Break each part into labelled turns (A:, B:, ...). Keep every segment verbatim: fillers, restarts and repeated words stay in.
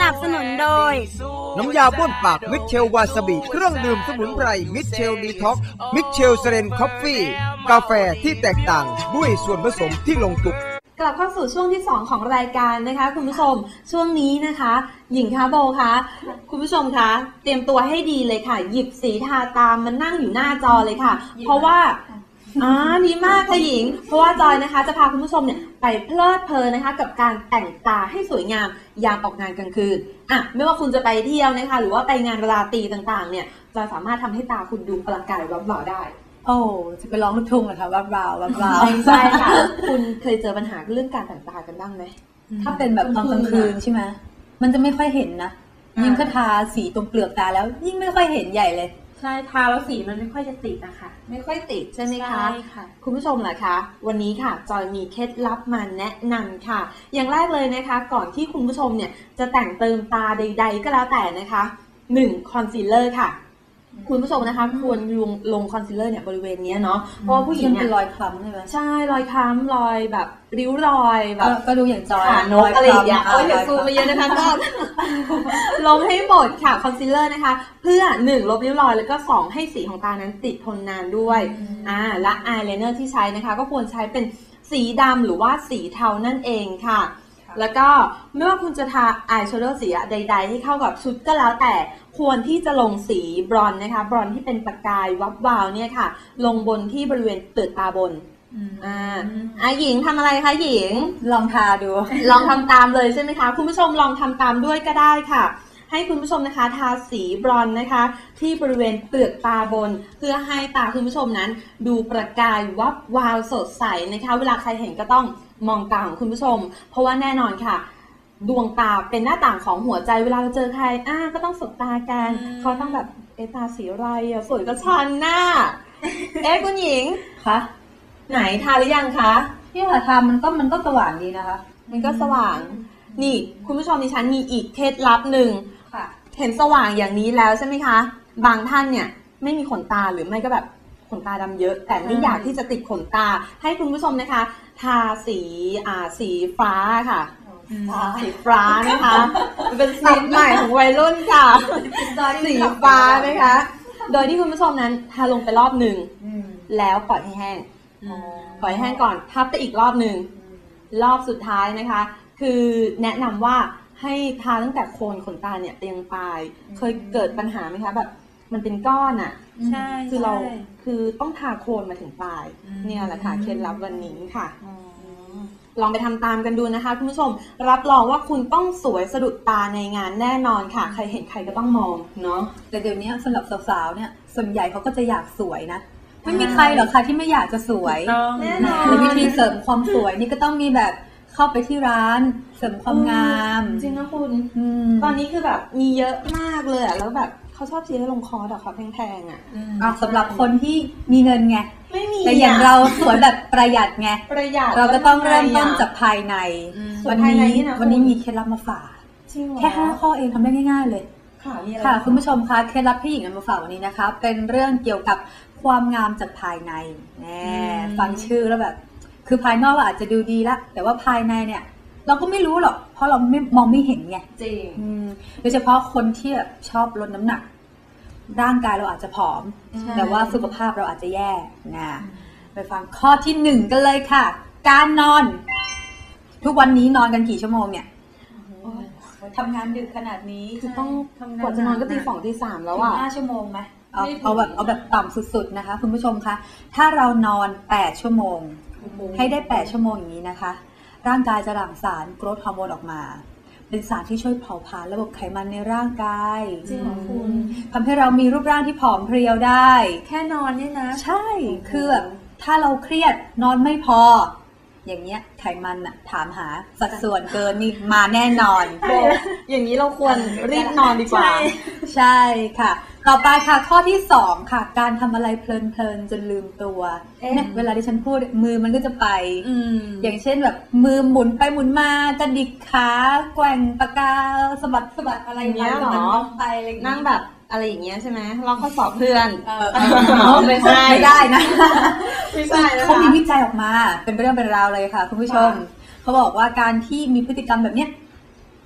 A: นับสนุนโดย
B: น้ำยาบ้วนปากมิเชลวาซาบิเครื่องดื่มสมุนไพรมิเชลดีท็อกมิเชลเซเรนคอฟฟี่กาแฟที่แตกต่างด้วยส่วนผสมที่ลงตัว
C: กลับเข้าสู่ช่วงที่สองของรายการนะคะคุณผู้ชมช่วงนี้นะคะหญิงคะโบคะคุณผู้ชมคะเตรียมตัวให้ดีเลยค่ะหยิบสีทาตามมันนั่งอยู่หน้าจอเลยค่ะเพราะว่าอ๋อดีมากค่ะหญิงเพราะว่าจอยนะคะจะพาคุณผู้ชมเนี่ยไปเพลิดเพลินนะคะกับการแต่งตาให้สวยงามยามออกงานกลางคืนอ่ะไม่ว่าคุณจะไปเที่ยวนะคะหรือว่าไปงานราตรีต่างๆเนี่ยจอยสามารถทำให้ตาคุณดูประกายวับหล่อได้
A: โอ้จะไปร้องลูกทุ่งเหรอคะวับวาววับวาว
C: ใช่ค่ะคุณเคยเจอปัญหาเรื่องการแต่งตากันบ้างไหม
A: ถ้าเป็นแบบตอนกลางคืนใช่ไหมมันจะไม่ค่อยเห็นนะยิ่งถ้าทาสีตรงเปลือกตาแล้วยิ่งไม่ค่อยเห็นใหญ่เลย
C: ใช่ทาแล้วสีมันไม่ค่อยจะติดนะคะไม่ค่อยติดใช่ไหมคะใช่ค่ะคุณผู้ชมล่ะคะวันนี้ค่ะจอยมีเคล็ดลับมาแนะนำค่ะอย่างแรกเลยนะคะก่อนที่คุณผู้ชมเนี่ยจะแต่งเติมตาใดๆก็แล้วแต่นะคะหนึ่งคอนซีลเลอร์ค่ะคุณผู้ชมนะคะควรลงลงคอนซีลเลอร์เนี่ยบริเวณนี้เนาะเพราะผู้หญิงเนี่ย
A: เป็นรอยคล้ำใช่ไหม
C: ใช่รอยคล้ำรอยแบบริ้วรอยแบบ
A: ก็ดูอย่างจอย
C: นกอะไรอย่างเงี้ยโอ้ยอย่าซูมมาเยอะนะคะก็ลงให้หมดค่ะคอนซีลเลอร์นะคะเพื่อหนึ่งลบริ้วรอยแล้วก็สองให้สีของตานั้นติดทนนานด้วยอ่าและอายไลเนอร์ที่ใช้นะคะก็ควรใช้เป็นสีดำหรือว่าสีเทานั่นเองค่ะแล้วก็ไม่ว่าคุณจะทาอายแชโดว์สีใดๆให้เข้ากับชุดก็แล้วแต่ควรที่จะลงสีบรอนซ์นะคะบรอนซ์ที่เป็นประกายวับวาวเนี่ยค่ะลงบนที่บริเวณเปลือกตาบนอ่าอ่ะหญิงทำอะไรคะหญิง
A: ลองทาดู
C: ลองทำตามเลยใช่ไหมคะคุณผู้ชมลองทำตามด้วยก็ได้ค่ะให้คุณผู้ชมนะคะทาสีบรอนซ์นะคะที่บริเวณเปลือกตาบนเพื่อให้ตาคุณผู้ชมนั้นดูประกายวับวาวสดใสนะคะเวลาใครเห็นก็ต้องมองตาของคุณผู้ชมเพราะว่าแน่นอนค่ะดวงตาเป็นหน้าต่างของหัวใจเวลาเราเจอใครอ่าก็ต้องสบตากันเขาต้องแบบเอตาสีอะไรอ่ะสวยก็ชันหน้าเอ๊ะคุณหญิง
A: คะ
C: ไหนทาหรือยังคะ
A: ที่ค่ะทามันก็มันก็สว่างดีนะคะ
C: มันก็สว่างนี่คุณผู้ชมดิฉันมีอีกเคล็ดลับหนึ่งเห็นสว่างอย่างนี้แล้วใช่ไหมคะบางท่านเนี่ยไม่มีขนตาหรือไม่ก็แบบขนตาดำเยอะแต่ไม่อยากที่จะติดขนตาให้คุณผู้ชมนะคะทาสีอ่าสีฟ้าค่ะสีฟ้านะคะเป็นสีใหม่ของวัยรุ่นค่ะสีฟ้านะคะโดยที่คุณผู้ชมนั้นทาลงไปรอบหนึ่งแล้วปล่อยให้แห้งปล่อยให้แห้งก่อนทับไปอีกรอบหนึ่งรอบสุดท้ายนะคะคือแนะนำว่าให้ทาตั้งแต่โคนขนตาเนี่ยไปยังปลายเคยเกิดปัญหาไหมคะแบบมันเป็นก้อนอ่ะ
A: ใช่
C: คือเราคือต้องทาโคนมาถึงปลายเนี่ยแหละค่ะเคล็ดลับวันนี้ค่ะลองไปทำตามกันดูนะคะคุณผู้ชมรับรองว่าคุณต้องสวยสะดุดตาในงานแน่นอนค่ะใครเห็นใครก็ต้องมองเนาะ
A: แต่เดี๋ยวนี้สำหรับสาวๆเนี่ยส่วนใหญ่เขาก็จะอยากสวยนะไม่มีใครหรอกค่ะที่ไม่อยากจะสวย
C: แน่นอน
A: และวิธีเสริมความสวยนี่ก็ต้องมีแบบเข้าไปที่ร้านเสริมความงาม
C: จริงนะคุณตอนนี้คือแบบมีเยอะมากเลยอะแล้วแบบเขาชอบซื้อลงคอร์สอะเขาแพงๆอะ
A: สำหรับคนที่มีเงินไง
C: ไม่มี
A: แต่อย่างเราสวยแบบประหยัดไง
C: ประหยัด
A: เราก็ต้องเริ่มต้นจากภายในวันนี้วันนี้มีเคล็ดลับมาฝากแค่ห้าข้อเองทำได้ง่ายๆเลยค่ะคุณผู้ชมคะเคล็ดลับที่หญิงนำมาฝากวันนี้นะคะเป็นเรื่องเกี่ยวกับความงามจากภายในแน่ฟังชื่อแล้วแบบคือภายนอกเราอาจจะดูดีละแต่ว่าภายในเนี่ยเราก็ไม่รู้หรอกเพราะเราไม่มองไม่เห็นไง
C: จริง
A: โดยเฉพาะคนที่แบบชอบลดน้ำหนักร่างกายเราอาจจะผอมแต่ว่าสุขภาพเราอาจจะแย่นะไปฟังข้อที่หนึ่งกันเลยค่ะการนอนทุกวันนี้นอนกันกี่ชั่วโมงเนี่ยทำงานดึกขนาดนี้
C: คือต้องกว่าจะนอนก็ตีสองตีสามแล้วอ่ะ
A: ห้าชั่วโมงไหมเอาเอาแบบเอาแบบต่ำสุดๆนะคะคุณผู้ชมคะถ้าเรานอนแปดชั่วโมงให้ได้แปดชั่วโมงอย่างนี้นะคะร่างกายจะหลั่งสารโกรทฮอร์โมนออกมาเป็นสารที่ช่วยเผาผลาญระบบไขมันในร่างกาย
C: จริงเหรอคุณ
A: ทำให้เรามีรูปร่างที่ผอมเพรียวได้
C: แค่นอนเนี่ยนะ
A: ใช่คือแบบถ้าเราเครียดนอนไม่พออย่างเงี้ยไขมันอะถามหาสัดส่วนเกินนี่มาแน่นอน
C: อย่างนี้เราควรรีบนอนดีกว่า
A: ใช่ค่ะต่อไปค่ะข้อที่สองค่ะการทำอะไรเพลินๆจนลืมตัวเนี่ยเวลาที่ฉันพูดมือมันก็จะไป อ, อย่างเช่นแบบมือหมุนไปหมุนมากระดิกขาแกว่งปากกาสะบัดสะบัดอะไร
C: อย่างเงี้ยหรอ
A: ไป
C: นั่งแบบอะไรอย่างเงี้ยใช่ไหมเราข้อสอบเพื่อน
A: ไม่ใช่ไม่ได้นะ
C: ไม่ใช่
A: เขามีวิจัยออกมาเป็นเรื่องเป็นราวเลยค่ะคุณผู้ชมเขาบอกว่าการที่มีพฤติกรรมแบบเนี้ย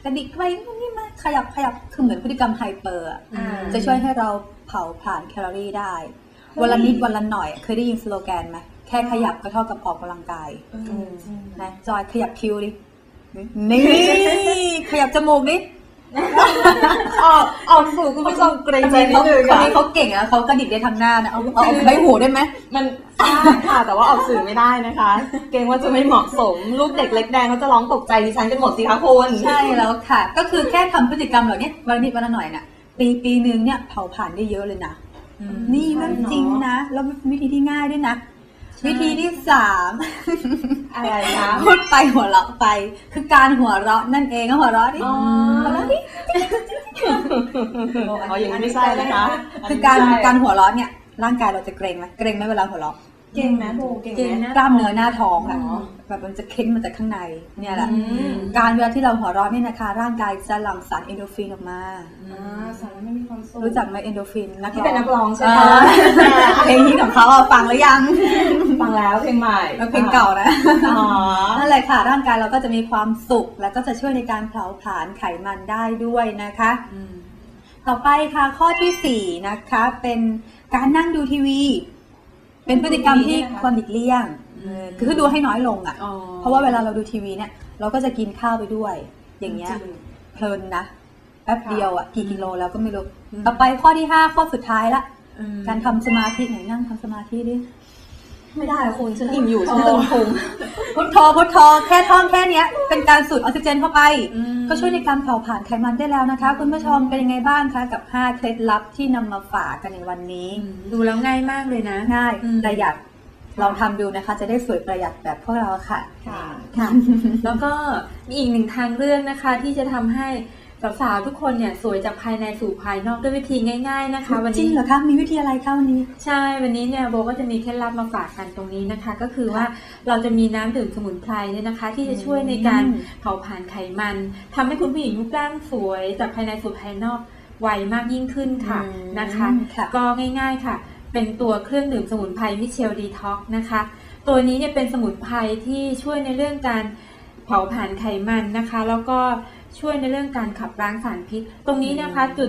A: กระดิกไปนี่มาขยับขยับคือเหมือนพฤติกรรมไฮเปอร์จะช่วยให้เราเผาผลาญแคลอรี่ได้วันละนิดวันละหน่อยเคยได้ยินสโลแกนไหมแค่ขยับก็เท่ากับออกกำลังกายนะจอยขยับคิ้วดินี่ขยับจมูกดิ
C: ออกออกสู่คุณผู้ชมเกรงใจนิดนึง
A: คนนี้เขาเก่งอะเขากระดิกได้ทางหน้านะเอาเอาใบหูได้ไหม
C: มันค่ะแต่ว่าออกสื่อไม่ได้นะคะ เกรงว่าจะไม่เหมาะสมลูกเด็กเล็กแดงเขาจะร้องตกใจดิฉันกันหมดสิคะคุณ
A: ใช่แล้วค่ะก็คือแค่ทำพฤติกรรมเหล่านี้วันนิดวันละหน่อยน่ะปีปีนึงเนี่ยเผาผ่านได้เยอะเลยนะนี่เรื่องจริงนะแล้ววิธีที่ง่ายด้วยนะวิธีที่สาม
C: อะไรคะ
A: พูดไปหัวเราะไปคือการหัวเราะนั่นเองก็หัวเราะดิหัวเราะดิ
C: อ๋ออย่างนี้ไม่ใช่นะคะ
A: คือการการหัวเราะเนี่ยร่างกายเราจะเกร็งไหมเกร็งไหมเวลาหัวเราะ
C: เก่งไหมโบเก่งไหม
A: กล้ามเนื้อหน้าท้องอะแบบมันจะเค้นมาจากข้างในเนี่ยแหละการเวลาที่เราหัวเราะเนี่ยนะคะร่างกายจะหลั่งสารเอนโดรฟินออกมา
C: สารไม่มีความสุข
A: รู้จักไหมเอนโดรฟินนัก
C: ที่เป็นนักร้องใช่ไหม
A: เพลงนี้ของเขาฟังหรือยัง
C: ฟังแล้วเพลงใหม่
A: เพลงเก่านะนั่นแหละค่ะร่างกายเราก็จะมีความสุขแล้วก็จะช่วยในการเผาผลาญไขมันได้ด้วยนะคะต่อไปค่ะข้อที่สี่นะคะเป็นการนั่งดูทีวีเป็นพฤติกรรมที่ควรหลีกเลี่ยงคือดูให้น้อยลงอ่ะเพราะว่าเวลาเราดูทีวีเนี่ยเราก็จะกินข้าวไปด้วยอย่างเงี้ยเพลินนะแป๊บเดียวอ่ะกี่กิโลแล้วก็ไม่รู้ต่อไปข้อที่ห้าข้อสุดท้ายละการทำสมาธิไหนนั่งทำสมาธิดิ
C: ไม่ได้คุณฉันอิ่มอยู่ฉันตึงพุง
A: พุทโธพุทโธแค่ท่องแค่นี้เป็นการสูดออกซิเจนเข้าไปก็ช่วยในการเผาผลาญไขมันได้แล้วนะคะคุณผู้ชมเป็นยังไงบ้างคะกับห้าเคล็ดลับที่นำมาฝากกันในวันนี้
D: ดูแล้วง่ายมากเลยนะ
A: ง่ายประหยัดลองทำดูนะคะจะได้สวยประหยัดแบบพวกเราค่ะ
D: ค่ะค่ะแล้วก็มีอีกหนึ่งทางเลือกนะคะที่จะทำให้สาวๆทุกคนเนี่ยสวยจากภายในสู่ภายนอกด้วยวิธีง่ายๆนะคะ
A: วันนี้จริงเหรอคะมีวิธีอะไรคะวันนี้
D: ใช่วันนี้เนี่ยโบก็จะมีเคล็ดลับมาฝากกันตรงนี้นะคะก็คือว่าเราจะมีน้ำดื่มสมุนไพรเนี่ยนะคะที่จะช่วยในการเผาผลาญไขมันทำให้คุณผู้หญิงรูปร่างสวยจากภายในสู่ภายนอกไวมากยิ่งขึ้นค่ะนะคะก็ง่ายๆค่ะเป็นตัวเครื่องดื่มสมุนไพรมิเชลดีท็อกนะคะตัวนี้เนี่ยเป็นสมุนไพรที่ช่วยในเรื่องการเผาผลาญไขมันนะคะแล้วก็ช่วยในเรื่องการขับล้างสารพิษตรงนี้นะคะจุด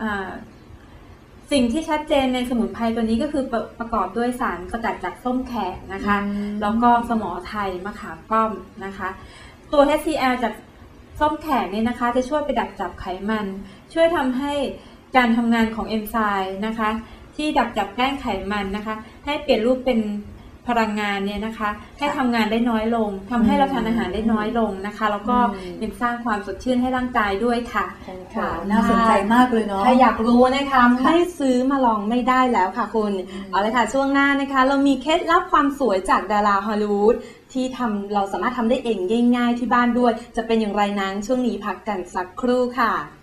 D: สิ่งที่ชัดเจนในสมุนไพรตัวนี้ก็คือประประกอบด้วยสารสกัดจากส้มแขกนะคะแล้วก็สมอไทยมะขามป้อมนะคะตัว เอช ซี แอล จากส้มแขกเนี่ยนะคะจะช่วยไปดักจับไขมันช่วยทำให้การทำงานของเอนไซม์นะคะที่ดักจับแป้งไขมันนะคะให้เปลี่ยนรูปเป็นพลังงานเนี่ยนะคะให้ทำงานได้น้อยลงทำให้เราทานอาหารได้น้อยลงนะคะแล้วก็ยังสร้างความสดชื่นให้ร่างกายด้วยค่ะ
A: ค่ะน่าสนใจมากเลยเนาะ
C: ถ้าอยากรู้นะคะไม่ซื้อมาลองไม่ได้แล้วค่ะคุณเอาเลยค่ะช่วงหน้านะคะเรามีเคล็ดลับความสวยจากดาราฮอลลีวูดที่ทำเราสามารถทำได้เองง่ายๆที่บ้านด้วยจะเป็นอย่างไรนั้นช่วงนี้พักกันสักครู่ค่ะ